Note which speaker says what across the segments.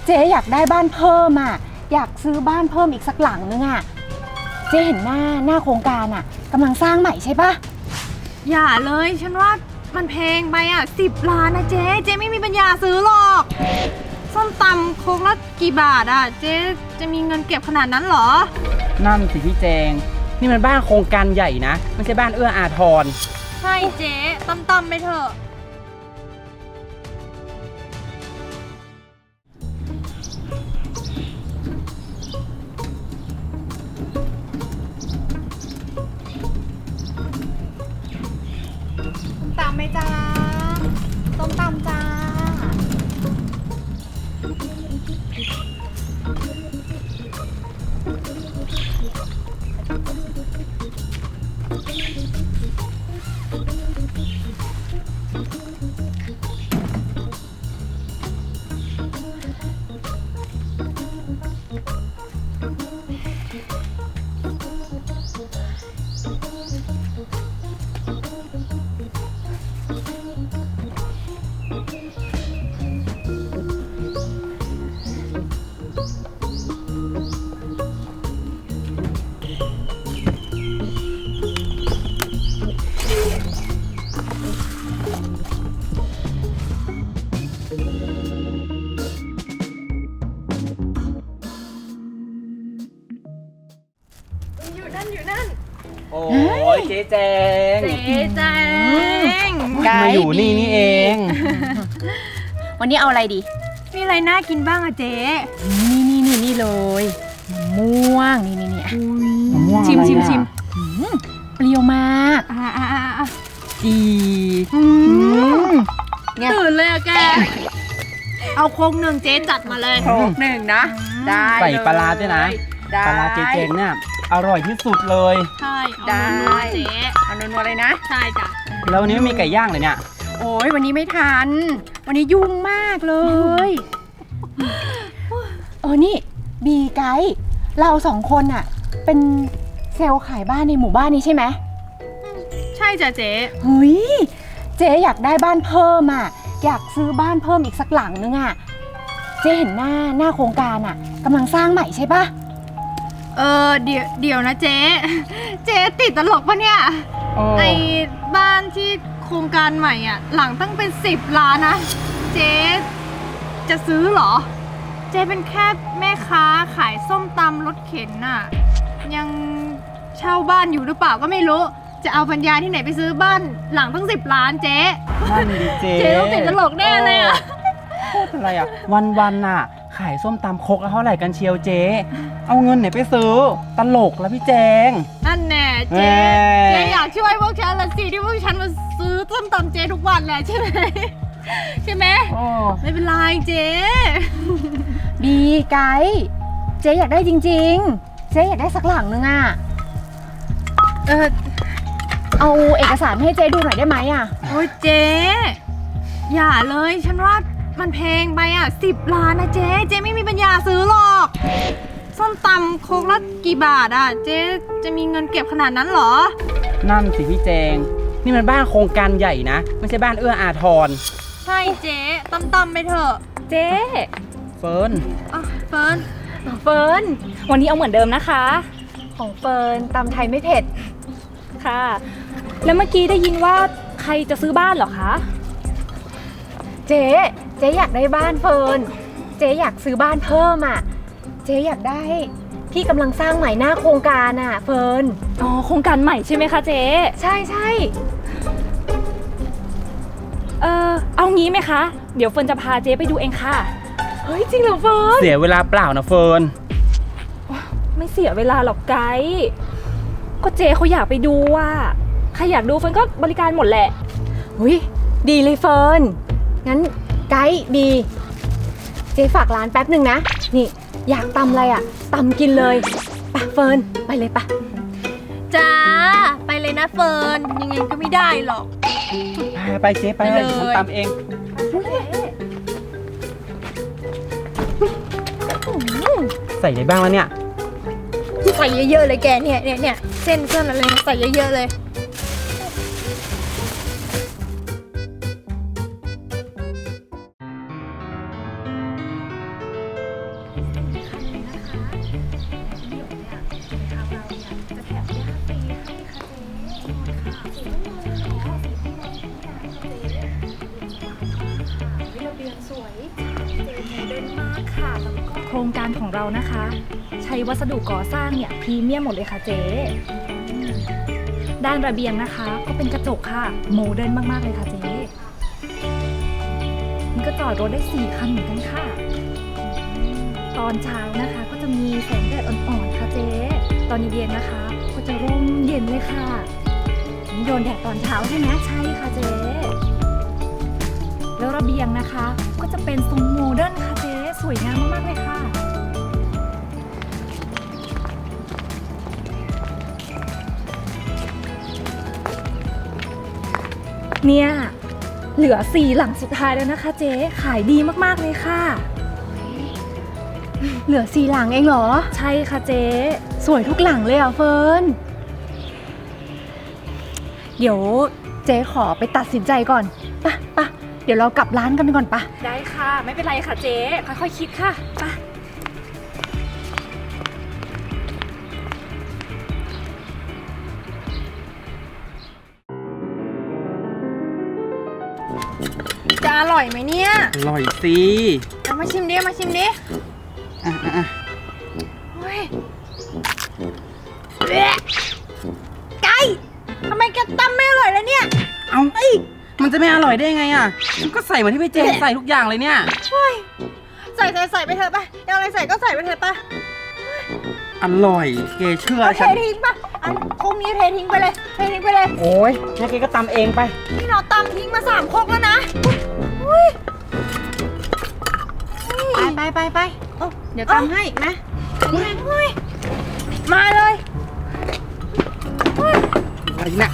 Speaker 1: เจ๊อยากได้บ้านเพิ่มอ่ะอยากซื้อบ้านเพิ่มอีกสักหลังนึงอ่ะเจ๊เห็นหน้าโครงการอ่ะกำลังสร้างใหม่ใช่ปะ
Speaker 2: อย่าเลยฉันว่ามันแพงไปอ่ะ10 ล้านนะเจ๊ไม่มีปัญญาซื้อหรอกส้มตำโคกละกี่บาทอ่ะเจ๊จะมีเงินเก็บขนาดนั้นเหรอ
Speaker 3: นั่นสิพี่แจงนี่มันบ้านโครงการใหญ่นะไม่ใช่บ้านเอื้ออาทร
Speaker 2: ใช่เจ๊ตำไปเถอะตำไหมจ้าต้มตำจ้าอยู่นั่น
Speaker 3: โอ้ยเจ๊แจง
Speaker 1: มา
Speaker 3: อยู่นี่เอง
Speaker 1: วันนี้เอาอะไรดี
Speaker 2: มีอะไรน่ากินบ้างอะเจ๊
Speaker 1: นี่เลยมะม่วงนี่
Speaker 3: มะม่วง
Speaker 2: ชิม
Speaker 1: เปรี้ยวมาก
Speaker 3: จี
Speaker 2: ตื่นเลยอะแกเอาโคกหนึ่งเจ๊จัดมาเลย
Speaker 1: โคกหนึ่งนะได้
Speaker 3: ใส่ปลาด้วยนะปลาเจ๊แจงเนี่ยอร่อยที่สุดเลย
Speaker 2: ใช่
Speaker 1: ได้
Speaker 2: เจ๊
Speaker 1: เอานัวๆเลยนะ
Speaker 2: ใช่จ้ะ
Speaker 3: แล้ววันนี้ไม่มีไก่ย่างเลยเนี่ย
Speaker 1: โอ้ยวันนี้ไม่ทันวันนี้ยุ่งมากเลยนี่บีไกด์เรา2 คนอะเป็นเซลล์ขายบ้านในหมู่บ้านนี้ใช่ไหม
Speaker 2: ใช่จ้ะเจ๊
Speaker 1: เฮ้ยเจ๊อยากได้บ้านเพิ่มอะอยากซื้อบ้านเพิ่มอีกสักหลังนึงอะเจ๊เห็นหน้าโครงการอะกำลังสร้างใหม่ใช่ปะ
Speaker 2: เดี๋ยวนะเจ๊ติดตลกปะเนี่ยไอ้บ้านที่โครงการใหม่อ่ะหลังตั้งเป็น10 ล้านนะเจ๊จะซื้อเหรอเจ๊เป็นแค่แม่ค้าขายส้มตำรถเข็นน่ะยังเช่าบ้านอยู่หรือเปล่าก็ไม่รู้จะเอาปัญญาที่ไหนไปซื้อบ้านหลังตั้ง10 ล้านเจ๊
Speaker 3: นั่นดิเจ๊
Speaker 2: ต้องติดตลกแน่เลยอ่ะ
Speaker 3: พูดอะไรอ่ะวันน่ะขายส้มตำครกเท่าไหร่กันเชียวเจ๊เอาเงินไหนไปซื้อตลกแล้วพี่แจง
Speaker 2: นั่นแน่เจ๊อยากช่วยพวกฉันละสิที่พวกฉันมาซื้อส้มตำเจ๊ทุกวันแหละใช่ไหมไม่เป็นไรเจ๊
Speaker 1: บีไกด์เจ๊อยากได้จริงๆเจ๊อยากได้สักหลังนึงอ่ะเอาเอกสารให้เจ๊ดูหน่อยได้ไหมอ่ะ
Speaker 2: โอ้ยเจ๊อย่าเลยฉันว่ามันแพงไปอ่ะ10 ล้านนะเจ๊ไม่มีปัญญาซื้อหรอกส้มตำโคกละกี่บาทอ่ะเจ๊จะมีเงินเก็บขนาดนั้นเหรอ
Speaker 3: นั่นสิพี่แจงนี่มันบ้านโครงการใหญ่นะไม่ใช่บ้านเอื้ออาทร
Speaker 2: ใช่เจ๊ตำไปเถอะ
Speaker 1: เจ๊
Speaker 3: เฟิร์น
Speaker 1: วันนี้เอาเหมือนเดิมนะคะของเฟิร์นตำไทยไม่เผ็ด
Speaker 4: ค่ะแล้วเมื่อกี้ได้ยินว่าใครจะซื้อบ้านเหรอคะ
Speaker 1: เจ๊อยากได้บ้านเฟิร์นเจ๊อยากซื้อบ้านเพิ่มอ่ะเจ๊อยากได้ที่กำลังสร้างใหม่หน้าโครงการอ่ะเฟิร์น
Speaker 4: โครงการใหม่ใช่ไหมคะเจ๊
Speaker 1: ใช่
Speaker 4: เอางี้ไหมคะเดี๋ยวเฟิร์นจะพาเจ๊ไปดูเองค่ะ
Speaker 1: เฮ้ยจริงเหรอเฟิร์น
Speaker 3: เสียเวลาเปล่านะเฟิร์น
Speaker 4: ไม่เสียเวลาหรอกไกด์ก็เจ๊เขาอยากไปดูว่าใครอยากดูเฟิร์นก็บริการหมดแหละ
Speaker 1: ดีเลยเฟิร์นงั้นไกด์บีเจ๊ฝากร้านแป๊บหนึ่งนะนี่อยากตำอะไรอ่ะตำกินเลยไปเฟิร์นไปเลยปะ
Speaker 2: จ้าไปเลยนะเฟิร์นยังไงก็ไม่ได้หรอก
Speaker 3: ไปเจ๊ไปเลยฉันตำเองใส่อะไรบ้างแล้วเนี่ย
Speaker 2: ใส่เยอะๆเลยแกเนี่ยเส้นอะไรใส่เยอะๆเลย
Speaker 3: อ
Speaker 4: ดิร์นมากค่ะแล้วก็โครงการของเรานะคะ ใช้วัสดุก่อสร้างเนี่ยพรีเมียมหมดเลยค่ะเจ๊ด้านระเบียงนะคะ ก็เป็นกระจกค่ะโมเดิร์นมากๆเลยค่ะเจ๊นี่ก็จอดรถได้4 คันเหมือนกันค่ะ ตอนเช้านะคะก็จะมีแสงแดดอ่อนๆค่ะเจ๊ตอนเย็นๆนะคะ ก็จะร่มเย็นเลยค่ะโดนแดดตอนเช้าใช่ไหมใช่ค่ะเจ๊แล้วระเบียงนะคะ ก็จะเป็นทรงโมเดิร์นค่ะเจ๊สวยงามมากๆเลยค่ะเนี่ยเหลือ4 หลังสุดท้ายแล้วนะคะเจ๊ขายดีมากๆเลยค่ะ
Speaker 1: เหลือ4 หลังเองเหรอ
Speaker 4: ใช่ค่ะเจ๊
Speaker 1: สวยทุกหลังเลยอ่ะเฟิร์น เดี๋ยวเจ๊ขอไปตัดสินใจก่อนปะเดี๋ยวเรากลับร้านกันก่อนปะ
Speaker 4: ได้ค่ะไม่เป็นไรค่ะเจ๊ค่อยๆคิดค่ะไป
Speaker 2: จะอร่อยไหมเนี่ย
Speaker 3: อร่อยสิ
Speaker 2: เอามาชิมดิมาชิมดิ
Speaker 3: อ่ะ
Speaker 2: เฮ้ยเละไก่ทำไมแกตำไม่อร่อยแล้วเนี่ย
Speaker 3: เอามันจะไม่อร่อยได้ไงอ่ะมันก็ใส่เหมือนที่พี่เจใส่ทุกอย่างเลยเนี่ย
Speaker 2: ใส่ไปเถอะไปเอาอะไรใส่ก็ใส่ไปเถอะไป
Speaker 3: อร่อยเกเชื่อ
Speaker 2: เอาเท
Speaker 3: ฉัน
Speaker 2: ทิ้งปะอันคงนี้เททิ้งไปเลยเททิ้งไปเลย
Speaker 3: โอ้ยงั้นเกก็ตำเองไป
Speaker 2: นี่เราตำทิ้งมา3 ครกแล้วนะไปเดี๋ยวตำให้อีกนะมาเลย
Speaker 3: อะไรเนี่ย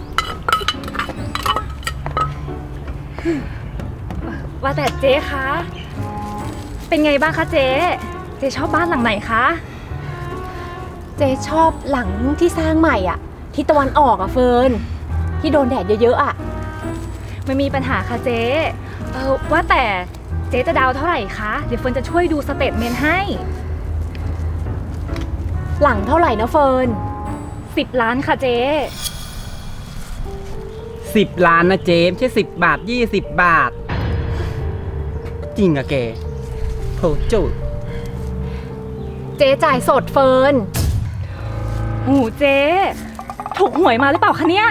Speaker 4: ว่าแต่เจ๊คะเป็นไงบ้างคะเจ๊ชอบบ้านหลังไหนคะ
Speaker 1: เจ๊ชอบหลังที่สร้างใหม่อ่ะ ที่ตะวันออกอ่ะเฟิร์น ที่โดนแดดเยอะๆอ่ะ
Speaker 4: ไม่มีปัญหาค่ะเจ๊ว่าแต่เจ๊จะดาวเท่าไหร่คะเดี๋ยวเฟิร์นจะช่วยดูสเตทเมนต์ให้
Speaker 1: หลังเท่าไหร่นะเฟิร์น
Speaker 4: 10 ล้านค่ะเจ๊
Speaker 3: 10 ล้านนะเจมไม่ใช่10 บาท 20 บาท จริงอะแกโถจุ
Speaker 1: เจ๊จ่ายสดเฟิร์น
Speaker 4: หูเจ๊ถูกหวยมาหรือเปล่าคะเนี่ย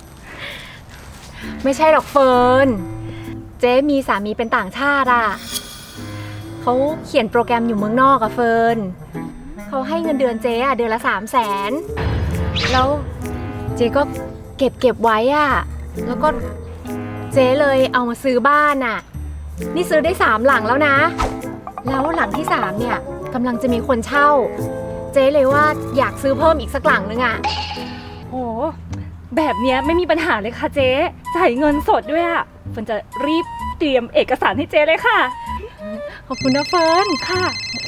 Speaker 1: ไม่ใช่หรอกเฟิร์น เจ๊มีสามีเป็นต่างชาติอ่ะเขาเขียนโปรแกรมอยู่เมืองนอกอะเฟิร์นเขาให้เงินเดือนเจ๊อะเดือนละ300,000แล้วเจ๊ก็เก็บไว้อะแล้วก็เจ๊เลยเอามาซื้อบ้านอะนี่ซื้อได้3 หลังแล้วนะ แล้วหลังที่3เนี่ยกำลังจะมีคนเช่า เจ๊เลยว่าอยากซื้อเพิ่มอีกสักหลังนึงอะ
Speaker 4: โอ้แบบเนี้ยไม่มีปัญหาเลยค่ะเจ๊จ่ายเงินสดด้วยอะเฟิร์นจะรีบเตรียมเอกสารให้เจ๊เลยค่ะ
Speaker 1: ขอบคุณนะเฟิร์น
Speaker 4: ค่ะ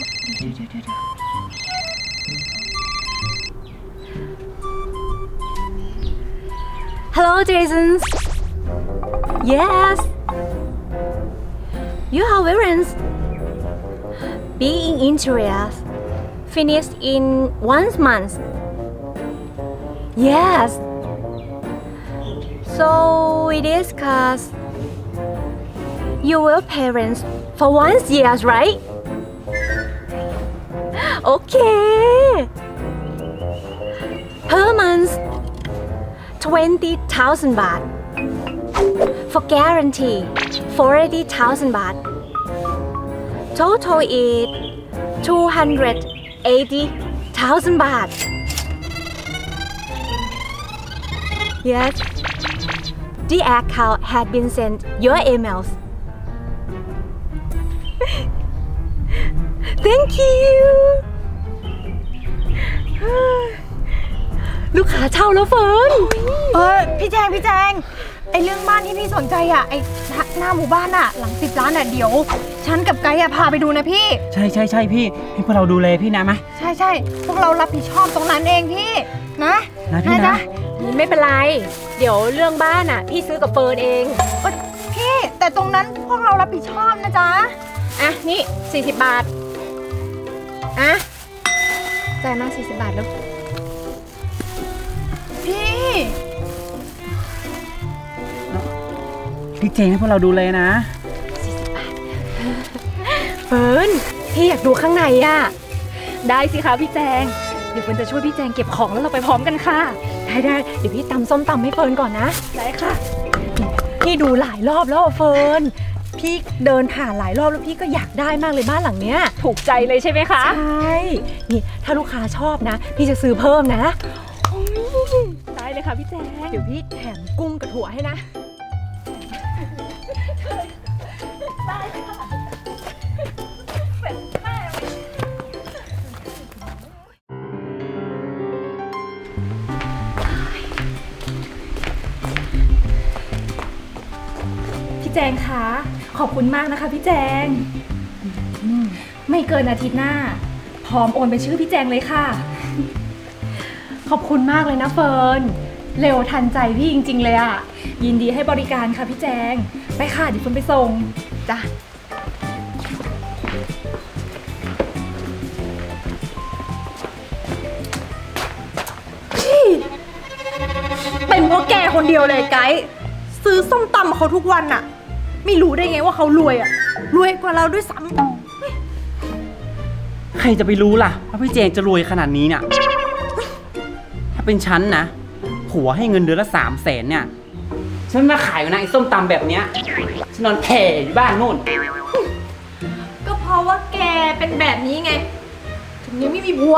Speaker 1: Hello, Jason. Yes. You have errands. Being interiors finished in 1 month. Yes. So we discuss your parents for 1 year, right? Okay. Per month. 20,000 baht. For guarantee, 40,000 baht. Total is 280,000 baht. Yes. The account had been sent your emails. Thank you. ลูกค้าเช่าแล้วเฟิร์น
Speaker 2: พี่แจงไอเรื่องบ้านที่พี่สนใจอ่ะไอหน้าหมู่บ้านอ่ะหลัง10 ล้านอ่ะเดี๋ยวฉันกับไกด์อ่ะพาไปดูนะพี่
Speaker 3: ใช่พี่ให้พวกเราดูแลพี่นะมะ
Speaker 2: ใช่พวกเรารับผิดชอบตรงนั้นเองพี่นะ
Speaker 3: พี่นะ
Speaker 2: จ๊ะ
Speaker 1: ไม่เป็นไร เดี๋ยวเรื่องบ้านอ่ะ พี่ซื้อกับเฟิร์นเอง
Speaker 2: พี่แต่ตรงนั้นพวกเรารับผิดชอบนะจ๊ะ
Speaker 1: อ่ะ นี่ 40 บาท อ่ะ จ่ายมา 40 บาทแล้ว
Speaker 2: พี่
Speaker 3: พี่เจงให้พวกเราดูแลนะ
Speaker 1: 40 บาทเฟิร์นพี่อยากดูข้างในอะ
Speaker 4: ได้สิคะพี่แจง เดี๋ยวเฟิร์นจะช่วยพี่แจงเก็บของแล้วเราไปพร้อมกันค่ะ
Speaker 1: ได้เดี๋ยวพี่ตำส้มตำให้เฟิร์นก่อนนะ
Speaker 4: ได้ค่ะ
Speaker 1: พี่ดูหลายรอบแล้วอะเฟิร์นพี่เดินผ่านหลายรอบแล้วพี่ก็อยากได้มากเลยบ้านหลังเนี้ย
Speaker 4: ถูกใจเลยใช่ไหมคะ
Speaker 1: ใช่นี่ถ้าลูกค้าชอบนะ พี่จะซื้อเพิ่มนะ
Speaker 4: ได้เลยค่ะพี่แจง
Speaker 1: เดี๋ยวพี่แถมกุ้งกับถั่วให้นะ
Speaker 4: พี่แจงคะขอบคุณมากนะคะพี่แจงไม่เกินอาทิตย์หน้า พร้อมโอนเป็นชื่อพี่แจงเลยค่ะ
Speaker 1: ขอบคุณมากเลยนะเฟิร์นเร็วทันใจพี่จริงๆเลยอะ
Speaker 4: ยินดีให้บริการค่ะพี่แจง ไปค่ะเดี๋ยวเฟิร์นไปส่ง
Speaker 1: จ้ะ
Speaker 2: เป็นเพราะแกคนเดียวเลยไกด์ซื้อส้มตำเขาทุกวันอะไม่รู้ได้ไงว่าเขารวยอะรวยกว่าเราด้วยซ้ำ
Speaker 3: ใครจะไปรู้ล่ะว่าพี่เจงจะรวยขนาดนี้เนี่ย ถ้าเป็นฉันนะผัวให้เงินเดือนละ300,000เนี่ย ฉันมาขายอยู่นะไอ้ส้มตำแบบเนี้ย ฉันนอนแผ่อยู่บ้านนู่น
Speaker 2: ก็เพราะว่าแกเป็นแบบนี้ไง ถึงยังไม่มีผัว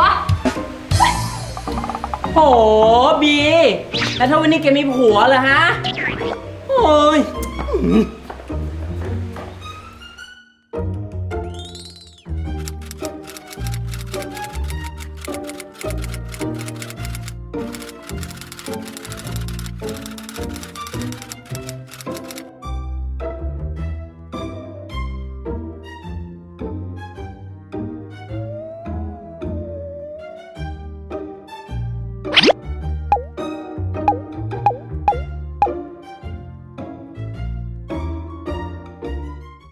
Speaker 3: โหบี แล้วถ้าวันนี้แกมีผัวเหรอฮะ โอ้ย